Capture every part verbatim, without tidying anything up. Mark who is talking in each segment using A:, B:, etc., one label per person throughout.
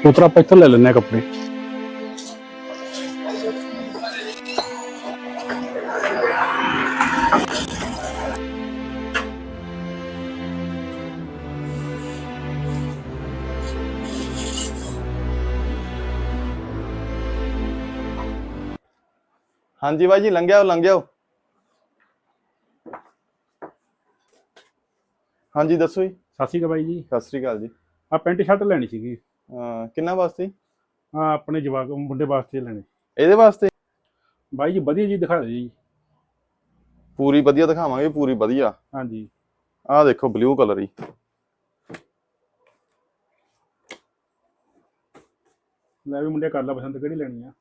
A: ਪੁੱਤਰ ਆਪਾਂ ਇੱਥੋਂ ਲੈ ਲੈਂਦੇ ਹਾਂ ਕੱਪੜੇ।
B: ਹਾਂਜੀ ਬਾਈ ਜੀ, ਲੰਘਿਆ ਲੰਘਿਆ। ਹਾਂਜੀ ਦੱਸੋ ਜੀ।
A: ਸਤਿ ਸ਼੍ਰੀ ਅਕਾਲ ਬਾਈ ਜੀ।
B: ਸਤਿ ਸ੍ਰੀ ਅਕਾਲ ਜੀ।
A: ਆ ਪੈਂਟ ਸ਼ਰਟ ਲੈਣੀ ਸੀਗੀ।
B: ਅਹ ਕਿੰਨਾ ਵਾਸਤੇ?
A: ਹਾਂ, ਆਪਣੇ ਜਵਾਕ ਮੁੰਡੇ ਵਾਸਤੇ ਲੈਣੇ।
B: ਇਹਦੇ ਵਾਸਤੇ
A: ਬਾਈ ਜੀ ਵਧੀਆ ਜੀ ਦਿਖਾ ਦਿਓ ਜੀ।
B: ਪੂਰੀ ਵਧੀਆ ਦਿਖਾਵਾਂਗੇ, ਪੂਰੀ ਵਧੀਆ।
A: ਹਾਂਜੀ,
B: ਆਹ ਦੇਖੋ ਬਲੂ ਕਲਰ ਹੀ।
A: ਲੈ ਵੀ ਮੁੰਡੇ ਕਰ ਲਾ ਪਸੰਦ, ਕਿਹੜੀ ਲੈਣੀ ਆ।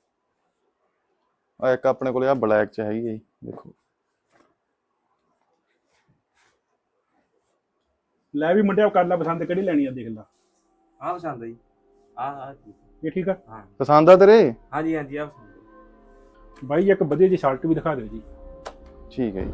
B: ਆ ਇੱਕ ਆਪਣੇ ਕੋਲ ਆ ਬਲੈਕ ਚ ਹੈਗੀ ਹੈ ਜੀ, ਦੇਖੋ।
A: ਲੈ ਵੀ ਮੁੰਡਿਆ ਕਰ ਲਾ ਪਸੰਦ, ਕਿਹੜੀ ਲੈਣੀ ਆ, ਦੇਖ ਲਾ।
C: ਆ ਪਸੰਦ ਹੈ ਜੀ। ਆ ਆ
A: ਇਹ ਠੀਕ ਆ।
C: ਹਾਂ
B: ਪਸੰਦ ਆ ਤੇਰੇ?
C: ਹਾਂਜੀ ਹਾਂਜੀ ਆ ਪਸੰਦ ਹੈ।
A: ਬਾਈ ਇੱਕ ਵਧੀਆ ਜੀ ਸ਼ਰਟ ਵੀ ਦਿਖਾ ਦਿਓ ਜੀ।
B: ਠੀਕ ਹੈ ਜੀ।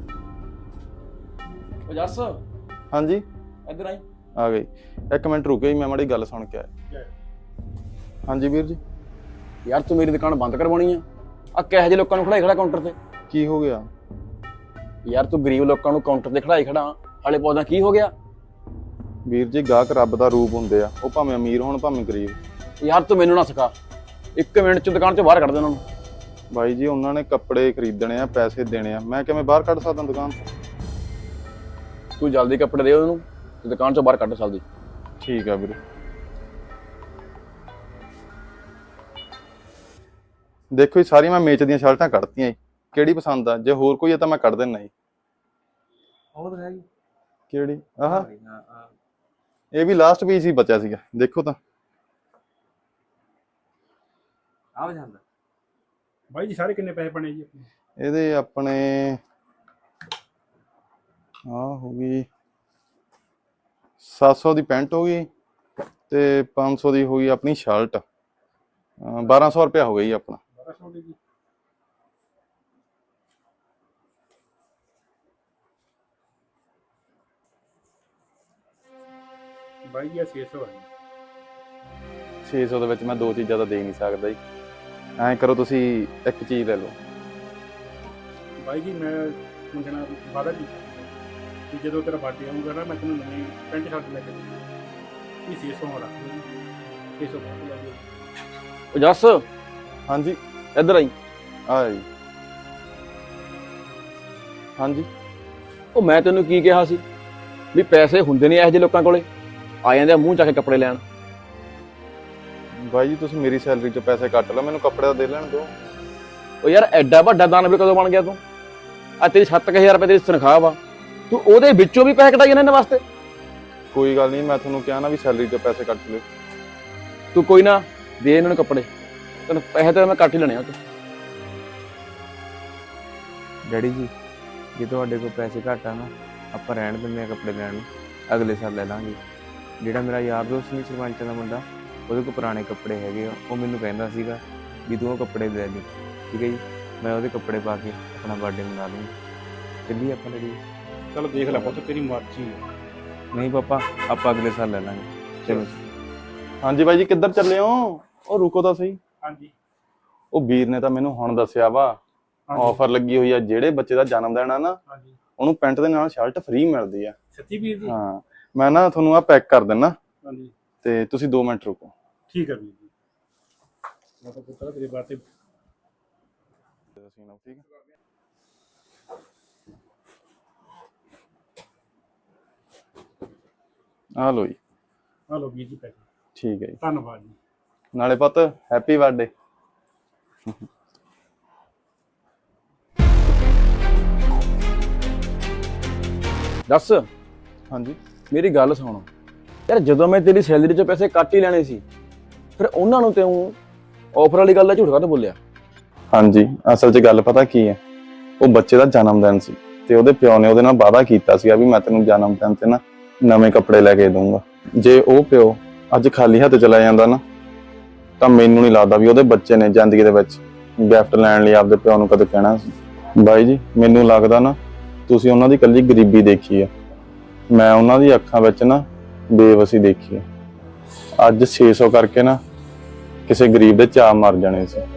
C: ਉਹ ਜੱਸ
B: ਹਾਂਜੀ
C: ਇੱਧਰ ਆਈ।
B: ਆ ਗਈ। ਇੱਕ ਮਿੰਟ ਰੁਕਿਓ ਜੀ, ਮੈਂ ਮਾੜੀ ਗੱਲ ਸੁਣ ਕੇ ਆਇਆ। ਹਾਂਜੀ ਵੀਰ ਜੀ।
D: ਯਾਰ ਤੂੰ ਮੇਰੀ ਦੁਕਾਨ ਬੰਦ ਕਰਵਾਉਣੀ ਆ? ਆ ਕਿਹੋ ਜਿਹੇ ਲੋਕਾਂ ਨੂੰ ਖੜਾਈ ਖੜਾ ਕਾਊਂਟਰ ਤੇ?
B: ਕੀ ਹੋ ਗਿਆ?
D: ਯਾਰ ਤੂੰ ਗਰੀਬ ਲੋਕਾਂ ਨੂੰ ਕਾਊਂਟਰ ਤੇ ਖੜਾਈ ਖੜਾ, ਹਾਲੇ ਪੌਦਾ ਕੀ ਹੋ ਗਿਆ?
B: ਵੀਰ ਜੀ ਗਾਹਕ ਰੱਬ ਦਾ ਰੂਪ ਹੁੰਦੇ ਆ, ਉਹ ਭਾਵੇਂ ਅਮੀਰ ਹੋਣ ਭਾਵੇਂ ਗਰੀਬ।
D: ਯਾਰ ਤੂੰ ਮੈਨੂੰ ਨਾ ਸਿਖਾ, ਇੱਕ ਮਿੰਟ ਚ ਦੁਕਾਨ ਚੋਂ ਬਾਹਰ ਕੱਢ ਦੇ ਉਹਨਾਂ ਨੂੰ।
B: ਬਾਈ ਜੀ ਉਹਨਾਂ ਨੇ ਕੱਪੜੇ ਖਰੀਦਣੇ ਆ, ਪੈਸੇ ਦੇਣੇ ਆ, ਮੈਂ ਕਿਵੇਂ ਬਾਹਰ ਕੱਢ ਸਕਦਾ ਦੁਕਾਨ ਤੋਂ?
D: ਤੂੰ ਜਲਦੀ ਕੱਪੜੇ ਦੇ ਉਹਨੂੰ ਤੇ ਦੁਕਾਨ ਚੋਂ ਬਾਹਰ ਕੱਢ ਸਕਦੀ।
B: ਠੀਕ ਆ ਵੀਰੇ। ਦੇਖੋ ਜੀ ਸਾਰੀਆਂ ਮੈਂ ਮੇਚ ਦੀਆਂ ਸ਼ਰਟਾਂ ਕੱਢਤੀਆਂ ਜੀ, ਕਿਹੜੀ ਪਸੰਦ ਆ? ਜੇ ਹੋਰ ਕੋਈ ਆ ਤਾਂ ਮੈਂ ਕੱਢ ਦਿੰਦਾ ਜੀ।
C: ਉਹ ਤਾਂ ਹੈਗੀ।
B: ਕਿਹੜੀ? ਆਹ
C: ਹਾਂ ਆ
B: ਇਹ ਵੀ ਲਾਸਟ ਪੀਸ ਹੀ ਬਚਿਆ ਸੀਗਾ, ਦੇਖੋ ਤਾਂ।
C: ਆ ਪਸੰਦ।
A: ਬਾਈ ਜੀ ਸਾਰੇ ਕਿੰਨੇ ਪੈਸੇ ਬਣੇ ਜੀ ਆਪਣੇ?
B: ਇਹਦੇ ਆਪਣੇ ਆ ਹੋ ਗਈ ਸੱਤ ਸੌ ਦੀ ਪੈਂਟ ਹੋ ਗਈ ਤੇ ਪੰਜ ਸੌ ਦੀ ਹੋ ਗਈ ਆਪਣੀ ਸ਼ਰਟ। ਬਾਰਾਂ ਸੌ ਰੁਪਇਆ ਹੋ ਗਿਆ ਜੀ ਆਪਣਾ।
A: ਬਾਰਾਂ ਸੌ ਦੀ ਜੀ। ਬਾਈ ਜੀ ਛੇ ਸੌ ਹੈ।
B: ਛੇ ਸੌ ਦੇ ਵਿੱਚ ਮੈਂ ਦੋ ਚੀਜ਼ਾਂ ਤਾਂ ਦੇ ਨਹੀਂ ਸਕਦਾ ਜੀ। ਐਂ ਕਰੋ ਤੁਸੀਂ ਇੱਕ ਚੀਜ਼ ਲੈ ਲਓ।
A: ਬਾਈ ਜੀ ਮੈਂ ਮੁੰਡੇ ਨਾਲ ਵਾਅਦਾ ਕੀਤਾ ਕਿ ਜਦੋਂ ਤੇਰਾ ਬਰਥਡੇ ਆਊਗਾ ਨਾ ਮੈਂ ਤੈਨੂੰ ਨਵੀਂ ਪੈਂਟ ਸ਼ਰਟ ਲੈ ਕੇ ਦੇਵਾਂਗਾ। ਇਹ ਛੇ ਸੌ ਰੱਖ ਲਓ ਜੀ, ਛੇ ਸੌ ਬਾਅਦ ਲੈ ਜਾਓ।
D: ਉਹ ਜੱਸ
B: ਹਾਂਜੀ
D: ਇੱਧਰ ਆਈ।
B: ਆ ਜੀ। ਹਾਂਜੀ
D: ਉਹ ਮੈਂ ਤੈਨੂੰ ਕੀ ਕਿਹਾ ਸੀ ਵੀ ਪੈਸੇ ਹੁੰਦੇ ਨਹੀਂ ਇਹੋ ਜਿਹੇ ਲੋਕਾਂ ਕੋਲੇ, ਆ ਜਾਂਦੇ ਆ ਮੂੰਹ ਚੱਕ ਕੇ ਕੱਪੜੇ ਲੈਣ।
B: ਬਾਈ ਜੀ ਤੁਸੀਂ ਮੇਰੀ ਸੈਲਰੀ ਚੋਂ ਪੈਸੇ ਕੱਟ ਲਓ, ਮੈਨੂੰ ਕੱਪੜੇ ਦਾ ਦੇ ਲੈਣ ਦਿਓ।
D: ਉਹ ਯਾਰ ਐਡਾ ਵੱਡਾ ਦਾਨਵ ਕਦੋਂ ਬਣ ਗਿਆ ਤੂੰ? ਆ ਤੇਰੀ ਸੱਤ ਕੁ ਹਜ਼ਾਰ ਰੁਪਏ ਤੇਰੀ ਤਨਖਾਹ ਵਾ, ਤੂੰ ਉਹਦੇ ਵਿੱਚੋਂ ਵੀ ਪੈਸੇ ਕਢਾਈ ਇਹਨਾਂ ਵਾਸਤੇ?
B: ਕੋਈ ਗੱਲ ਨਹੀਂ, ਮੈਂ ਤੁਹਾਨੂੰ ਕਿਹਾ ਨਾ ਵੀ ਸੈਲਰੀ ਚੋਂ ਪੈਸੇ ਕੱਟ ਲਿਓ।
D: ਤੂੰ ਕੋਈ ਨਾ ਦੇ ਇਹਨਾਂ ਨੂੰ ਕੱਪੜੇ, ਤੈਨੂੰ ਪੈਸੇ ਤਾਂ ਮੈਂ ਕੱਟ ਹੀ ਲੈਣੇ ਆ। ਤੂੰ
E: ਡੈਡੀ ਜੀ ਜੇ ਤੁਹਾਡੇ ਕੋਲ ਪੈਸੇ ਘੱਟ ਆ ਨਾ, ਆਪਾਂ ਰਹਿਣ ਦਿੰਦੇ ਆ ਕੱਪੜੇ ਲੈਣ ਨੂੰ, ਅਗਲੇ ਸਾਲ ਲੈ ਲਾਂਗੇ। ਜਿਹੜਾ ਮੇਰਾ ਯਾਰ ਦੋਸਤ ਨਹੀਂ ਸਰਪੰਚਾਂ ਦਾ ਮੁੰਡਾ, ਉਹਦੇ ਕੋਲ ਪੁਰਾਣੇ ਕੱਪੜੇ ਹੈਗੇ ਆ, ਉਹ ਮੈਨੂੰ ਕਹਿੰਦਾ ਸੀਗਾ ਵੀ ਤੂੰ ਉਹ ਕੱਪੜੇ ਲੈ ਲਈ। ਠੀਕ ਹੈ ਜੀ, ਮੈਂ ਉਹਦੇ ਕੱਪੜੇ ਪਾ ਕੇ ਆਪਣਾ ਬਰਥਡੇ ਮਨਾ ਲੂੰਗਾ। ਚੱਲੀਏ ਆਪਾਂ ਡੈਡੀ?
A: ਚਲੋ ਦੇਖ ਲੈ ਪੁੱਤ, ਤੇਰੀ ਮਰਜ਼ੀ ਹੈ।
E: ਨਹੀਂ ਪਾਪਾ, ਆਪਾਂ ਅਗਲੇ ਸਾਲ ਲੈ ਲਾਂਗੇ। ਚਲੋ।
B: ਹਾਂਜੀ ਬਾਈ ਜੀ ਕਿੱਧਰ ਚੱਲੇ ਹੋ? ਉਹ ਰੁਕੋ ਤਾਂ ਸਹੀ।
A: ਹਾਂਜੀ
B: ਉਹ ਵੀਰ ਨੇ ਤਾਂ ਮੈਨੂੰ ਹੁਣ ਦੱਸਿਆ ਵਾ ਆਫਰ ਲੱਗੀ ਹੋਈ ਆ, ਜਿਹੜੇ ਬੱਚੇ ਦਾ ਜਨਮ ਦਿਨ ਆ ਨਾ
A: ਹਾਂਜੀ
B: ਉਹਨੂੰ ਪੈਂਟ ਦੇ ਨਾਲ ਸ਼ਰਟ ਫ੍ਰੀ ਮਿਲਦੀ ਆ।
A: ਸੱਚੀ ਵੀਰ ਜੀ?
B: ਹਾਂ ਮੈਂ ਨਾ ਤੁਹਾਨੂੰ ਆ ਪੈਕ ਕਰ ਦਿੰਦਾ
A: ਹਾਂਜੀ
B: ਤੇ ਤੁਸੀਂ ਦੋ ਮਿੰਟ ਰੁਕੋ।
A: ਠੀਕ ਹੈ ਵੀਰ ਜੀ। ਮੈਂ ਤਾਂ ਪੁੱਤਰਾ ਤੇਰੇ ਬਾਰੇ
B: ਠੀਕ ਆ ਲੋ ਜੀ।
A: ਆ ਲਓ ਵੀਰ ਜੀ ਪੈਸੇ।
B: ਠੀਕ ਹੈ ਜੀ,
A: ਧੰਨਵਾਦ ਜੀ।
B: ਨਾਲੇ ਪੁੱਤ ਹੈਪੀ ਬਰਥਡੇ।
D: ਦੱਸ
B: ਹਾਂਜੀ
D: ਮੇਰੀ ਗੱਲ ਸੁਣ ਯਾਰ, ਜਦੋਂ ਮੈਂ ਤੇਰੀ ਸੈਲਰੀ ਚੋਂ ਪੈਸੇ ਕੱਟ ਹੀ ਲੈਣੇ ਸੀ, ਫਿਰ ਉਹਨਾਂ ਨੂੰ ਤੂੰ ਆਫਰ ਵਾਲੀ ਗੱਲ ਦਾ ਝੂਠ ਕਾਹਤੋਂ ਬੋਲਿਆ?
B: ਹਾਂਜੀ ਅਸਲ 'ਚ ਗੱਲ ਪਤਾ ਕੀ ਹੈ, ਉਹ ਬੱਚੇ ਦਾ ਜਨਮ ਦਿਨ ਸੀ ਤੇ ਉਹਦੇ ਪਿਓ ਨੇ ਉਹਦੇ ਨਾਲ ਵਾਅਦਾ ਕੀਤਾ ਸੀਗਾ ਵੀ ਮੈਂ ਤੈਨੂੰ ਜਨਮ ਦਿਨ ਤੇ ਨਾ ਨਵੇਂ ਕੱਪੜੇ ਲੈ ਕੇ ਦਊਂਗਾ। ਜੇ ਉਹ ਪਿਓ ਅੱਜ ਖਾਲੀ ਹੱਥ ਚਲਾ ਜਾਂਦਾ ਨਾ, ਤਾਂ ਮੈਨੂੰ ਨਹੀਂ ਲੱਗਦਾ ਵੀ ਉਹਦੇ ਬੱਚੇ ਨੇ ਜ਼ਿੰਦਗੀ ਦੇ ਵਿੱਚ ਗਿਫਟ ਲੈਣ ਲਈ ਆਪਦੇ ਪਿਓ ਨੂੰ ਕਦੇ ਕਹਿਣਾ ਸੀ। ਬਾਈ ਜੀ ਮੈਨੂੰ ਲੱਗਦਾ ਨਾ ਤੁਸੀਂ ਉਹਨਾਂ ਦੀ ਇਕੱਲੀ ਗਰੀਬੀ ਦੇਖੀ ਆ, ਮੈਂ ਉਹਨਾਂ ਦੀ ਅੱਖਾਂ ਵਿੱਚ ਨਾ ਬੇਵਸੀ ਦੇਖੀ ਆ। ਅੱਜ ਛੇ ਸੌ ਕਰਕੇ ਨਾ ਕਿਸੇ ਗਰੀਬ ਦੇ ਚਾਅ ਮਰ ਜਾਣੇ ਸੀ।